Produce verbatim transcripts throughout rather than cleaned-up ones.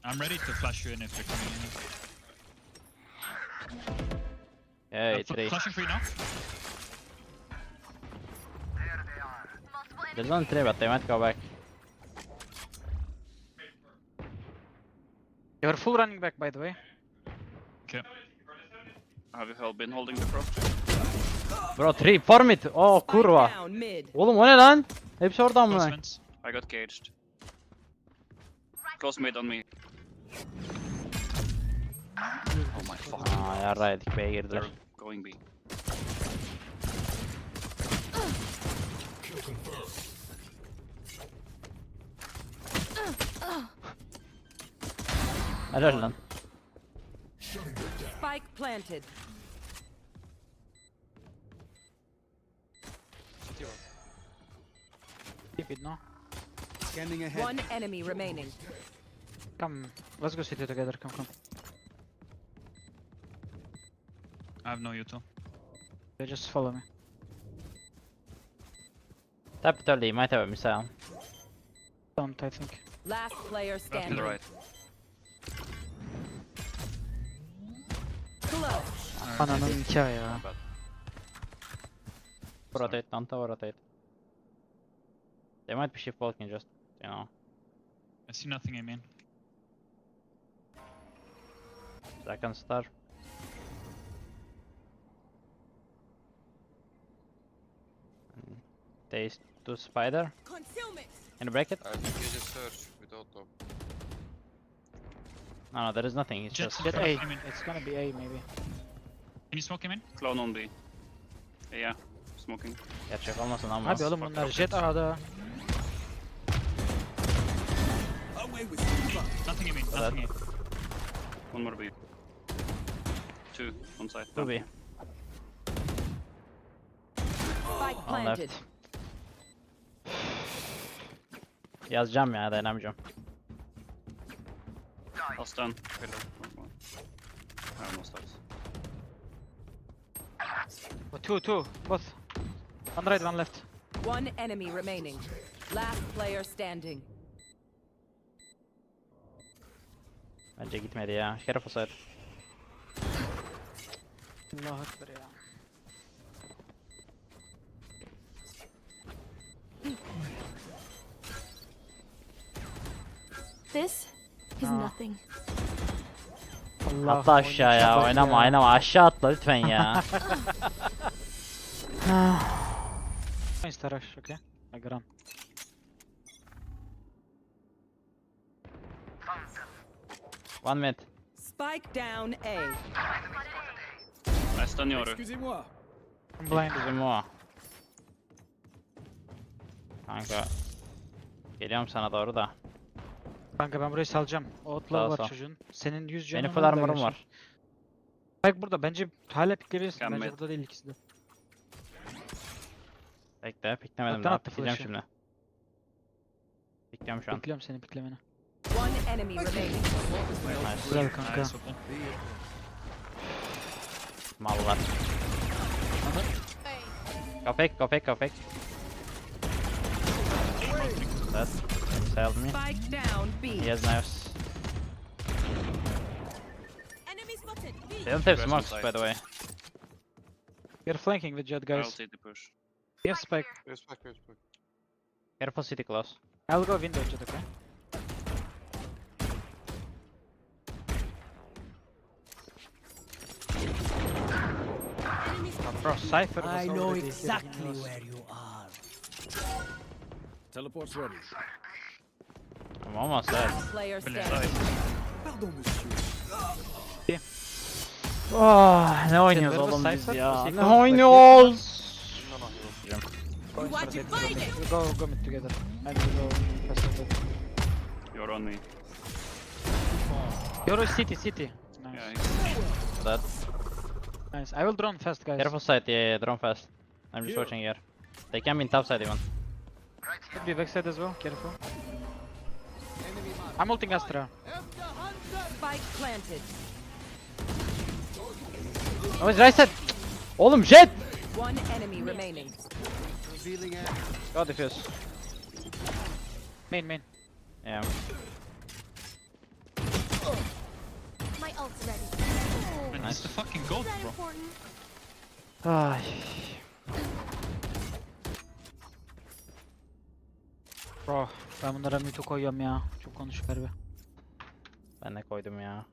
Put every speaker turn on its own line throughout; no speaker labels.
I'm ready to flash you in if they're coming in.
Yeah,
I'm
it's
fl
three.
flashing for you now.
There's only three, but they might go back.
You're full running back, by the way.
Okay.
Have you held, been holding the cross?
Bro, three, form it. Oh, kurva.
Down mid.
Oğlum o ne lan? Hepsi oradan mı?
Close
I got caged. Close mid on me. Oh my fuck.
Aa yarraydık B'ye girdiler.
They're going B.
Helal lan.
Spike planted.
Keep it, no?
Scanning ahead.
One enemy remaining.
Come, let's go city together. Come, come.
I have no util.
Yeah, just follow me.
Tap it early, might have a missile.
Don't, I think.
Last player
To
standing.
the right.
Close.
Ananın nikahı ya.
Bad.
Rotate, don't rotate. They might be shift walking just, you know.
I see nothing, I mean.
Second star. They do spider.
Concealment.
Can you break it?
I think you just search without top.
No, no, there is nothing. It's
Jet-
just.
Get
Okay,
A.
I mean-
It's gonna be A, maybe.
Can you smoke him in?
Clone on B. Yeah, smoking.
Gerçek olmasın ama.
Abi oğlum bunlar jet A'da.
Away with you.
Nothing, I mean. Nothing. I mean.
One more B. Two on site.
Two B.
Spike
On
planted.
left. Yazacağım ya, dayanamayacağım.
I'll stun. Pillar. I almost died.
Oh, two, two, both. One right, one left.
One enemy remaining. Last player standing.
Bence gitmedi ya. Careful side.
Allahu Ekber ya.
This is
No.
nothing.
Allah
Atla aşağıya, oynama oynama, aşağı atla lütfen ya.
Insta rush, okay? Like run.
One mid.
Spike down A.
I stun Yoru.
Excusez-moi.
I'm blind.
Bizim o. Kanka. Geliyorum sana doğru da.
Kanka ben burayı salacağım. Outlaw
Sağ,
var
sağ.
çocuğun. Senin yüz canın
Benim full
var da
armor'um
yaşar.
var.
Bak burada bence hala pikleyebilirsin.
Mükemmel.
Bence burada değil ikisi de.
Bekle, piklemedim
Alttan
daha,
attı
pikleyeceğim
flash'ı.
şimdi. Pikliyorum şu an.
Bekliyorum senin piklemeni.
One enemy remaining.
Nice.
Güzel kanka.
Nice, okay.
Mallar. Köpek, köpek, köpek. That saved me.
Spike down B.
He has knives.
Enemy spotted.
They don't have
Rest
smokes,
inside.
by the way.
You're flanking with jet
I'll
guys.
take the push.
Yes, spike.
Respect, respect.
Careful city close.
I'll go window jet, okay? Bro, Cypher was
I know
already
exactly
hitting us.
where you are. Teleport's ready.
I'm almost dead.
Player
Brilliant.
standing.
Pardon, monsieur.
Oh, ne oynuyoruz
Silver
oğlum
ve
biz
Cypher,
ya?
Cypher,
Ne
like
oynuyoruz?
No, no, he was.
Go
You want
inside
to
it,
fight it?
we Go, go mid together. And we go fast on that.
You're on me.
You're city, city.
Yeah,
Nice.
he's
Dead.
Nice. I will drone fast, guys.
Careful side, yeah, yeah, drone fast. I'm just
Here.
watching here. They can be in top side even.
Could be backside as well, careful. I'm ulting Astra.
Spike planted.
Oh, it's right side. Oğlum jet!
One enemy remaining.
Revealing a
Go defuse.
Main, main.
Yeah.
My ult's ready.
Man,
Nice.
he's the fucking goat,
Is that
bro.
important?
Ay.
Bro ben bunlara mute koyuyorum ya. Çok konuşuk harbi.
Ben de koydum ya.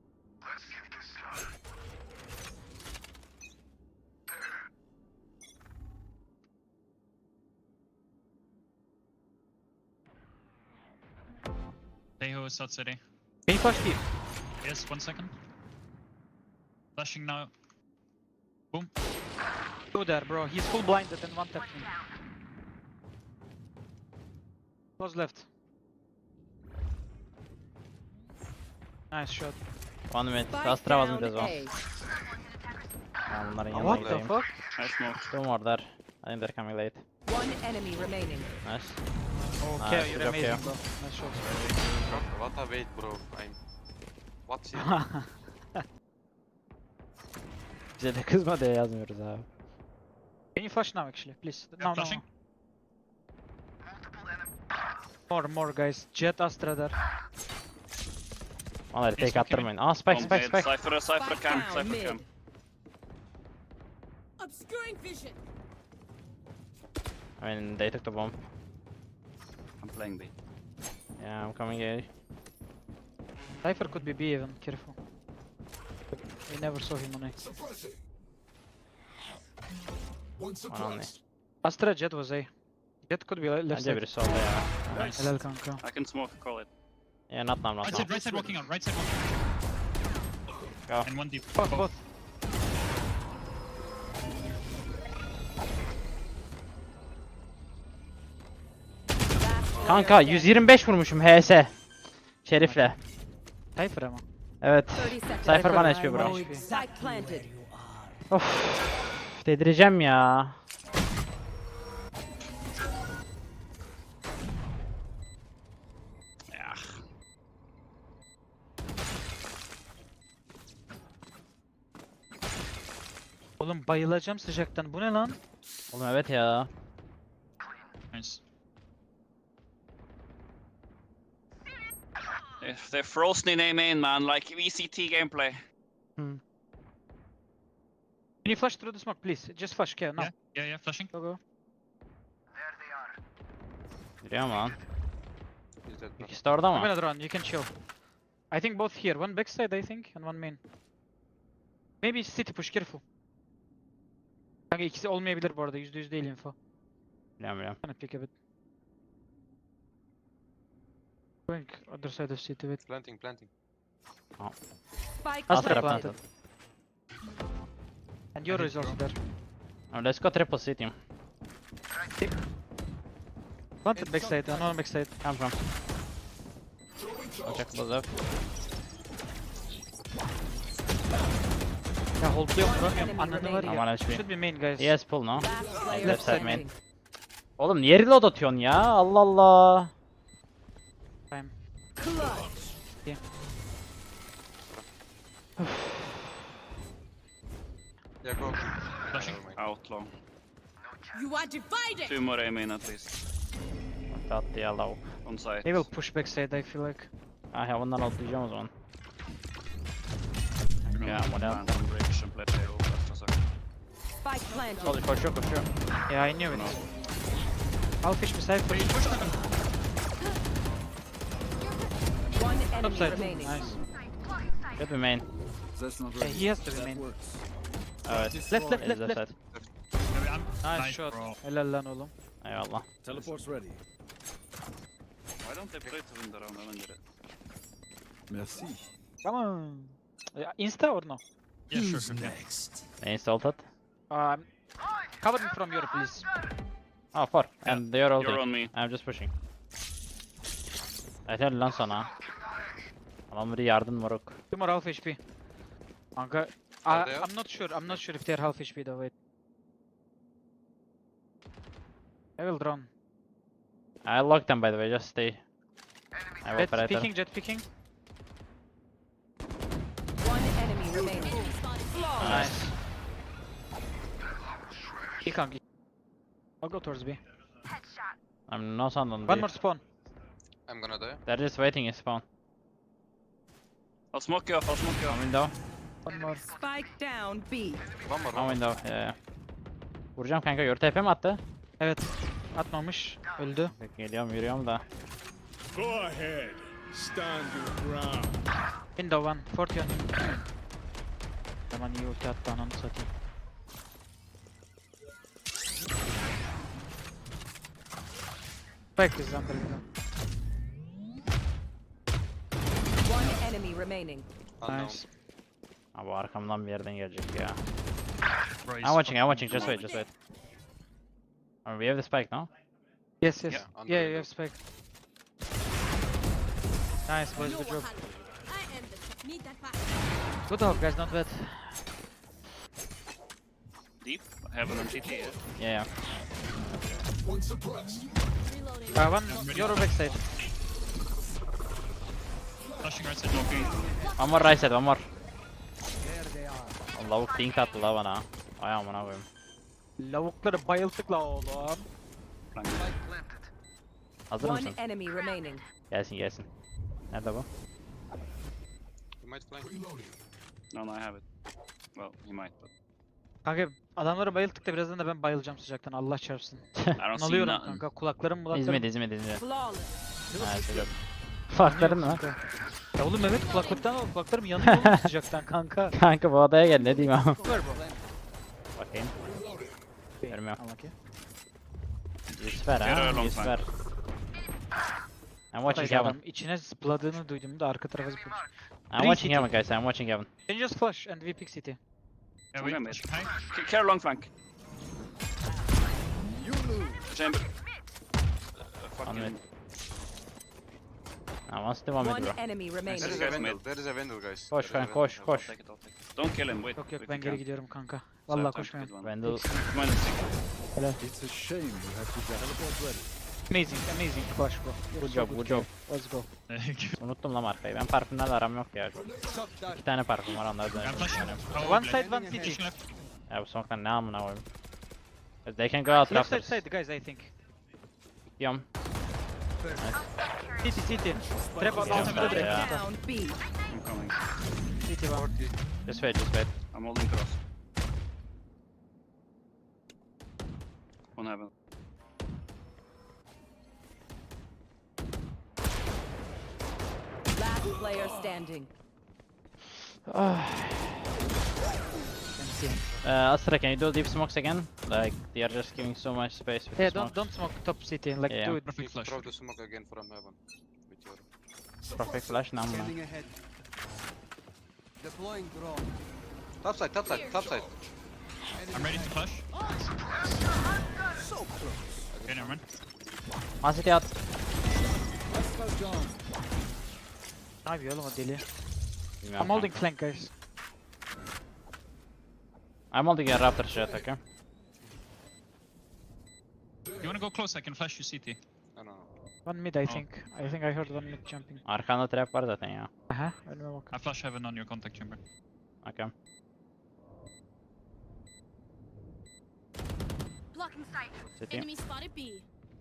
Teho is out city.
Can you flash deep?
Yes, one second. Flashing now. Boom.
Go there bro. He's full blinded and one tapped me. Close left. Nice shot.
One minute.
Spike
Astra was mid
down
as well.
A.
Ben bunların yanına
What the
gideyim.
fuck?
I smoke.
Two more there. I think they're coming late.
One enemy remaining.
Nice.
Okay,
Nice,
you're
good job,
amazing
Keo.
bro. Nice shot.
What a wait, bro. I'm. What's it?
Bize de kızma diye yazmıyoruz abi.
Can you flash now actually, please?
Yeah,
No, no,
flashing.
no. More, more guys. Jet Astra there.
Vallahi
Yes,
tek
okay.
attırmayın. Aa spike
Bomb
spike
mid.
spike.
Cypher, Cypher
Spike
camp,
down,
Cypher
mid.
camp.
Obscuring vision.
I mean they took the bomb.
I'm playing B.
Yeah, I'm coming A.
Cypher could be B even, careful. We never saw him on A.
One on me.
Astra Jet was A. Jet could be le- left
Bence
side.
biri solda ya.
Nice.
Helal kanka.
I can smoke, call it.
Yeah, not now, not
Right
now.
side, right side walking out, right side walking out.
Go.
And one deep.
Both, both.
Last player
Kanka
standing.
yüz yirmi beş vurmuşum H S. Şerif'le.
Cypher ama.
Evet.
thirty seconds.
Cypher bana H P bro.
H P.
Spike planted.
Of. Dedireceğim ya.
Yeah.
Oğlum bayılacağım sıcaktan. Bu ne lan?
Oğlum evet ya.
Nice.
They're, they're frozen in A main, man, like V C T gameplay.
Can you flash through the smoke please? Just flash, Keo, now.
Yeah, yeah, yeah, flashing.
Go go.
Giriyor mu lan?
Is that bro?
İkisi de orada
I'm
mı?
gonna drone, you can chill. I think both here. One backside I think and one main. Maybe city push, careful. Kanka ikisi olmayabilir bu arada. yüzde yüz değil info.
Biliyorum biliyorum.
Kind of pick a bit. Going other side of city with
Planting, planting.
Spike
Astra
Astra
planted.
planted.
and Euro is also there.
Oh, let's go triple city.
Planted backside, another backside.
Come from. I'll check both up.
Ya holdluyorum
One
vuramıyorum.
enemy
Ananı var
remaining.
ya.
Aman H P.
Should be main guys.
Yes pull no.
Last player
Left side main.
standing.
Oğlum niye reload atıyorsun ya? Allah Allah.
Time.
Clutch.
Yeah, go.
Flashing.
Never mind.
Out long.
You are divided.
Two more A main at least.
Attı ya lavuk.
On site.
They will push backside I feel like.
Ah ya bundan atlayacağım o zaman.
Yeah,
what else?
land on bridge and play A O after a second.
Spike planted.
Koşuyor koşuyor koşuyor.
Yeah, I knew it. I'll fish beside for you.
One enemy
Upside.
remaining.
Nice.
Good be main.
That's not
Yeah,
right.
he has to
That
remain.
works.
Evet.
Left, left,
Is
left,
left
left.
side.
Maybe I'm
Nice,
nice,
shot.
bro.
Helal lan oğlum.
Eyvallah.
Teleport's ready.
Why don't they play to win the round? I don't get it.
Merci.
Come on. Yeah, Insta or no?
Yeah, sure, sure. Yeah.
next?
Main salted.
Um, cover me from Euro please.
Ah four. And they are all
You're on me.
I'm just pushing. Yeter lan sana. Adam biri yardım moruk.
Two more half H P. Kanka,
Are
I,
they
I'm not sure. I'm not sure if they're half H P though. Wait. I will drone.
I locked them by the way, just stay. I have
Jet
operator.
picking, jet picking.
One enemy remaining.
Nice. He can't get. I'll go towards B.
I'm no sound on
One
B.
more spawn.
I'm gonna die.
They're just waiting in spawn.
I'll smoke you off, I'll smoke you
One
off.
window.
One more.
Spike down B.
One more,
One
one more.
window. Yeah. Vuracağım kanka. Yor T P mi attı?
Evet. Atmamış. Öldü.
Bak, geliyorum yürüyorum da.
Go ahead. Stand your ground.
Window one. forty on him. Zaman iyi ulti attı ananı satayım. Spike is under window.
One enemy remaining.
Unknown.
Nice.
Ha, bu arkamdan bir yerden gelecek ya.
Bro, he's
I'm watching, I'm
fucking
watching. Just wait,
blind.
just wait. I mean, we have the spike now.
Yes, yes.
Yeah,
Yeah,
under
yeah,
window.
you have spike. Nice, boys,
No
good job.
wahala. I am the need that back.
Good job, guys, not bad.
Deep. Heaven and C T, yeah.
Yeah, yeah.
Reloading.
Uh, one, your backside.
Flashing right side.
Smoking.
One more right side, one more. O lavuk dink attı la bana. Ay amına koyayım.
Lavukları bayılttık la oğlum.
Flank.
Hazır
One
mısın?
enemy remaining.
Gelsin gelsin. Nerede bu?
You might flank.
No, no, I have it. Well, he might, but
Kanka adamları bayılttık da birazdan da ben bayılacağım sıcaktan Allah çarpsın.
I don't see
Alıyorum
nothing.
kanka kulaklarım mulaklarım.
İzmit, İzmit, İzmit.
Flawless.
Ha, çocuk. Farkların mı?
Ya oğlum evet kulaklıktan al kulaklarım yanıyor oğlum sıcaktan kanka.
Kanka bu odaya gel ne diyeyim ama.
Ver bu.
Bakayım. Görmüyorum.
Al bakayım.
Yüz ver
Geri
ha,
long
yüz
time.
ver. I'm watching
Adam
heaven.
içine zıpladığını duydum da arka tarafa zıplamış.
I'm watching heaven guys, I'm watching heaven.
Can you just flash and we pick city?
Yeah,
Okay,
wait,
mate.
flashing high.
K- Care long flank. Chamber. Uh,
One mid.
fucking.
I want to one mid
One
bro.
enemy remaining.
There is
Guys
a window.
mid.
There is a window, guys.
Koş
There is a
kanka koş
window.
I'll
koş.
take it, I'll take it. Don't kill him, wait.
Yok yok
wait,
ben
you
geri
can't.
gidiyorum kanka.
So I have
Vallahi
time to
koşmayın.
get one.
Vandal.
Minus six.
It's a shame you have to teleport ready.
Amazing amazing flash bro. You're
Good
so
job, good job.
guy. Let's go.
Unuttum lan markayı. Ben parfümlerle aram yok ya. İki tane parfüm var onları
I'm
dönüyorum.
flashing. Oh,
One
okay.
side one city.
Flashing left.
Ya bu smoke'tan ne amına koyayım. They can go out
Left side
after.
side guys I think.
Gidiyorum.
City city. Trap out
Yeah,
altında
yeah.
direkt.
Down B.
I'm coming.
City one.
Just wait, just wait.
I'm holding cross. One heaven.
Last player standing.
Can see.
Uh, Astra, can you do deep smokes again? Like, they are just giving so much space with
Yeah
the
don't
smoke.
don't smoke top city like
Yeah.
do it.
Perfect flash.
Throw the smoke again from heaven. With your...
Perfect flash ne amına.
Top side, top side, top side.
I'm ready to flash. Okay, never mind.
One city at.
Ne yapıyor oğlum o deli?
Bilmiyorum
I'm holding flank guys.
I'm holding a raptor shot, okay?
You wanna go close? I can flash you C T.
No, no, no.
One mid I think. I think I heard one mid jumping.
Arkanda trap var zaten ya.
Aha önüme bak.
I flash heaven on your contact chamber.
Okay.
Blocking sight.
City.
Enemy spotted B.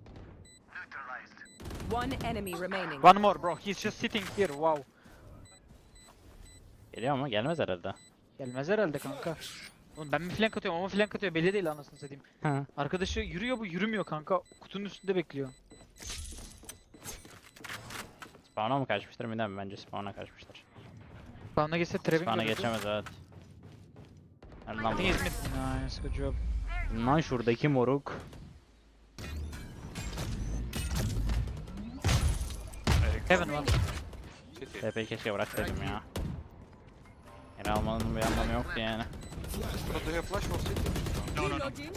One enemy remaining.
One more bro. He's just sitting here. Wow.
Geliyor mu? Gelmez herhalde.
Gelmez herhalde kanka. Oğlum ben mi flank atıyorum ama flank atıyor belli değil anasını satayım.
Hı.
Arkadaşı yürüyor bu yürümüyor kanka. Kutunun üstünde bekliyor.
Spawn'a mı kaçmıştır? Midem bence spawn'a kaçmıştır.
Bana geçse trapping
Spawn'a
görürdü.
geçemez evet. Hadi
I
lan.
think he's mid. Nice good job.
Lan şuradaki moruk.
Heaven one.
City.
T P'yi keşke bıraksaydım ya. Geri almanın bir anlamı yoktu yani.
Bro, do you have flash for city?
No, no, no.
Reloading.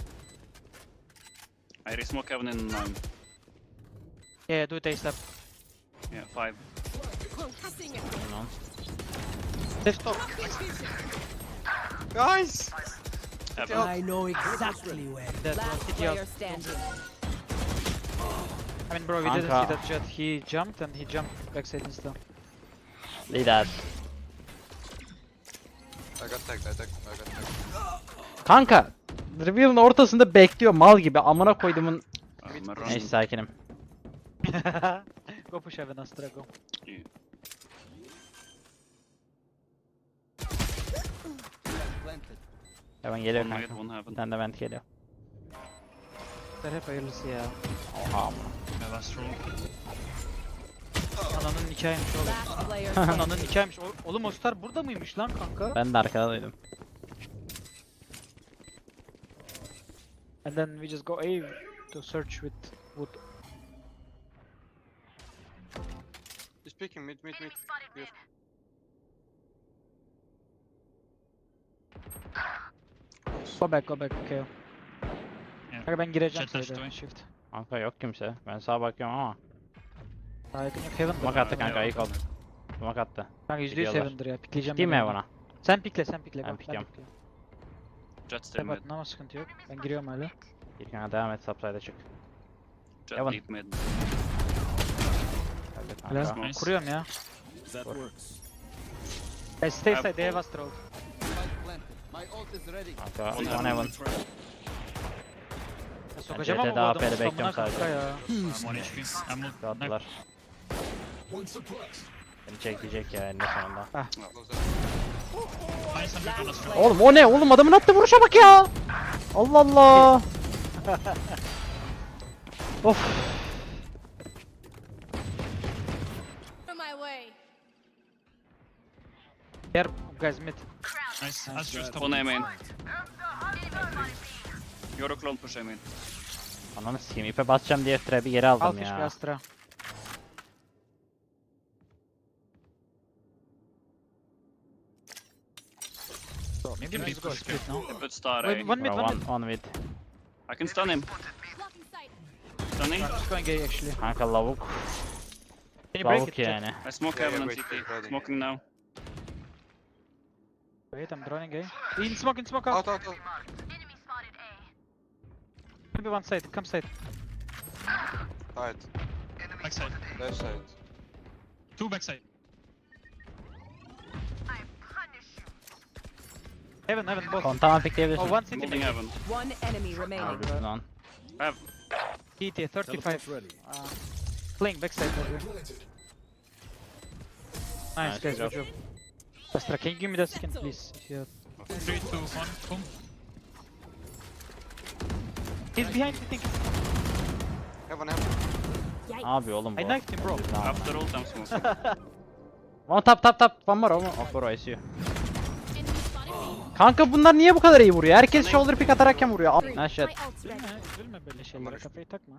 I resmoke heaven in nine.
Yeah, yeah do it ASAP.
Yeah, five.
Concussing it.
Bilmem.
Left top.
Guys!
Heaven.
I know exactly where.
That one
Last
city out.
player standing.
I mean bro we didn't
Kanka.
see that jet. He jumped and he jumped backside insta.
Lead that.
I got tagged, I tagged, I got tagged.
Kanka! Reveal'ın ortasında bekliyor mal gibi. Amına koyduğumun.
I'm
Neyse
running.
sakinim.
Go push Heaven Astra go.
Yeah.
Heaven geliyor
One mid,
kanka.
one
Bir
heaven.
tane de vent geliyor.
Hep hayırlısı ya.
Oha amına.
Yeah, last roll.
Ananın nikahıymış oğlum.
Last player standing.
Ananın nikahıymış. O- Oğlum o star burada mıymış lan kanka?
Ben de arkada duydum.
And then we just go A to search with wood.
He's peeking mid, mid, mid. Here.
Go back, go back, okay.
Yeah.
Kanka ben gireceğim
Chat
sayıda.
touch
Shift.
Kanka yok kimse. Ben sağa bakıyorum ama.
Daha yakın yok. Heaven
Smoke
var.
attı kanka, ayık oldu. Smoke attı.
Kanka yüzde yüz
Gidiyorlar.
Heaven'dır ya. Pikleyeceğim.
Değil mi
ben
Heaven'a?
onu. Sen pikle, sen pikle.
Ben
go,
pikliyorum.
pikle.
Jet still
Sen
mid.
batın ama sıkıntı yok. Ben giriyorum hala.
Bir kanka devam et, subside'a çık.
Jet
Heaven.
deep mid.
Hadi
Helal.
kanka.
Nice.
Kuruyorum ya.
That works.
Hey, stay
Have
side, they have
full.
Astral.
Kanka,
One
one heaven.
Ya sokacağım ama
C T'de
bu
A
adamı
P'de
spamına
bekliyorum sadece.
kanka ya.
I'm one H P. I'm ult-
Attılar. Beni çekecek ya eninde sonunda.
Close up.
Find something on us.
Oğlum o ne? Oğlum adamın attığı vuruşa bak ya. Allah Allah. Of.
From my way.
Here, guys mid.
Nice. Astra's top.
One A main. You're a clone push A main.
Ananı sikeyim, ipe basacağım diye trap'i geri
Al
aldım
fiş bir
ya.
Astra.
Maybe
Let's
mid
go
push
split now.
They put star
Wait,
A.
one mid,
Bro,
one
one,
mid.
one mid.
I can stun him.
Blocking sight.
Stunning.
I'm just going A actually.
Kanka lavuk.
Can you break it?
Lavuk
Jet?
yani.
I smoke
Yeah,
heaven
yeah,
and
wait,
C T.
wait, ready.
Smoking now.
Wait, I'm droning A. In smoke, in smoke out.
Out, out, out.
Maybe one side, come side.
Side.
Backside.
Left side.
Two backside.
Heaven, heaven, both.
Kontağımı pikleyebilirsin.
Oh, one city
Moving
maybe.
heaven.
One enemy remaining.
Öldürdün lan.
I have.
T T, thirty-five.
Teleport's ready.
Uh, playing backside over here. Nice,
Nice,
guys,
good
good job. Astra, can you give me that skin, please? If you have...
Three, two, one. Boom.
He's behind, I think.
Heaven, heaven.
Yikes.
Abi oğlum bu.
I knifed him, bro.
Tamam.
After ult I'm smoking.
One tap tap tap. One more. Oh bro, I see you.
Enemy spotted me.
Kanka bunlar niye bu kadar iyi vuruyor? Herkes shoulder pick atarakken vuruyor. Al- Ha shit.
My ult's ready.
Üzülme, üzülme böyle şeylere, kafayı takma.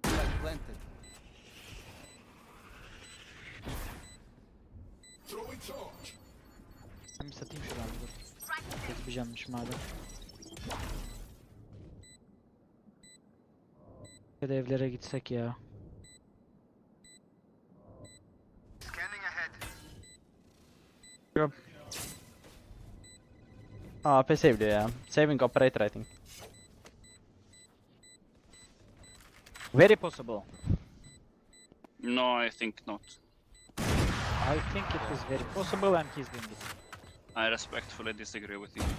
Ben bir satayım şunu abi dur. Kesmeyeceğimmiş madem. Ya da evlere gitsek ya. Yok.
Aa A P seviliyor ya. Saving operator I think.
Very possible.
No, I think not.
I think it is very possible and he's doing it.
I respectfully disagree with you.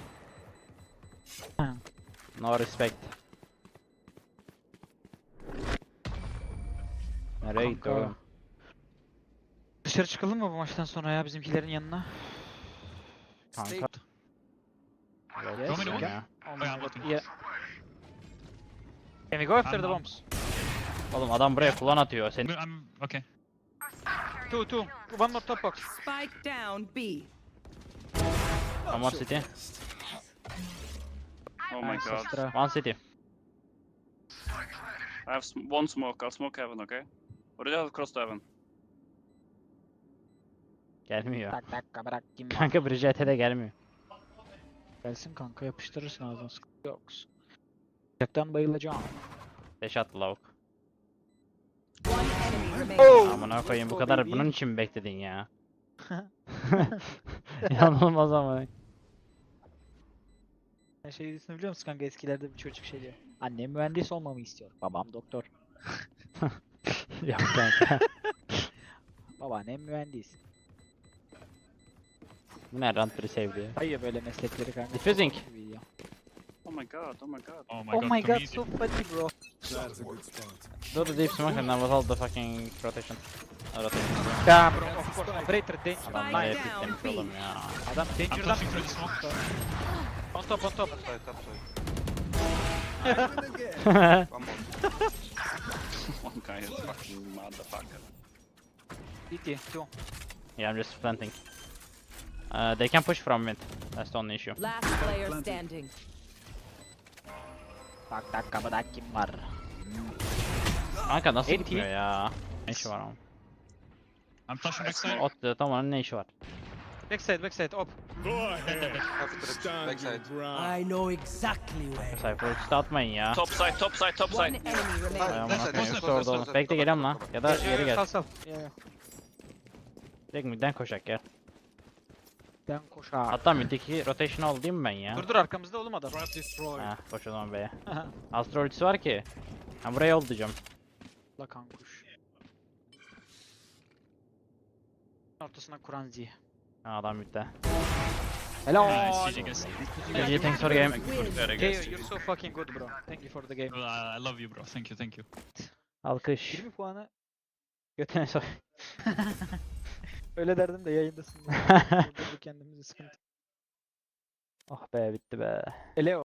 No respect. Nereye gitti
Kanka.
oğlum?
Dışarı çıkalım mı bu maçtan sonra ya bizimkilerin yanına?
Kanka.
Yes,
Want me to
yeah.
Ya.
Oh
Oh,
my
yeah, I'm
god,
looking.
yeah. Can we go after
I'm
the
not-
bombs?
Oğlum adam buraya kullan atıyor. Sen
I'm okay.
Two, two. One more top box.
Spike down B.
one more city.
Oh my
Nice,
god.
Astra.
One city.
I have sm one smoke. I'll smoke heaven, okay? Or did I cross to heaven?
Gelmiyor.
Tak dakika bırak kim var?
Kanka Brigitte de gelmiyor.
Gelsin kanka yapıştırırsın ağzına sıkıntı yok. Sıcaktan bayılacağım.
Deş attı lavuk.
One enemy remaining.
Amına koyayım bu
Oh,
kadar
baby.
bunun için mi bekledin ya? Yanılmaz ama.
Sen şey dizisini biliyor musun kanka eskilerde bir çocuk şey diyor. Annem mühendis olmamı istiyor. Babam doktor.
Yok kanka.
Babaannem mühendis.
Bu ne rant biri sevdi ya.
Hayır böyle meslekleri kanka.
Diffusing.
Çok iyi ya.
Oh my god, oh my god.
Oh my
Oh
god.
my god,
comedian.
so funny bro.
That's a good spot.
Do the deep smoke and then with all the fucking rotation. Uh, rotation.
Ya bro, of course, operator de
Adam
Spike
nereye
down,
piklemiş
B.
oğlum ya.
Adam
I'm
danger'dan
flashing through the smoke.
On top, on top.
Top side, top side.
I win again.
One more.
One guy is fucking motherfucker.
C T, two.
Yeah, I'm just planting. Uh, they can push from mid. That's the only issue.
Last player standing.
Bak tak kapıda kim var? Kanka nasıl
Enti.
gitmiyor ya? Ne işi var onun?
I'm flashing backside.
Ot dedi tam ne işi var?
Backside, backside, op.
Go ahead.
Half trip,
Stand
backside.
your ground.
know exactly where.
Cypher ultisi atmayın ya.
Top side, top side, top
One
side.
enemy remaining.
Ay amına
Backside,
koyayım.
backside,
Hepsi orada
backside,
oğlum.
backside.
Bekle geliyorum lan. Ya da geri gel.
Sal sal. Yeah, yeah.
Direkt midden koşak gel.
Ben koşar.
Hatta middeki rotation oldu değil mi ben ya?
Dur dur arkamızda oğlum adam.
Trap destroyed.
Ha koş o zaman B'ye. Astro ultisi var ki. Ha buraya yol diyeceğim.
La kankuş. Ortasına kuran Z.
Ha adam midde.
Hello.
Nice, G G guys.
G G thanks for the game.
Very
Okay,
good.
you're so fucking good bro. Thank you for the game.
Uh, I love you bro. Thank you, thank you.
Alkış.
yirmi puanı
Götüne soy.
öyle derdim de yayındasın. Burada kendimizi sıkıntı.
Oh be bitti be.
Ele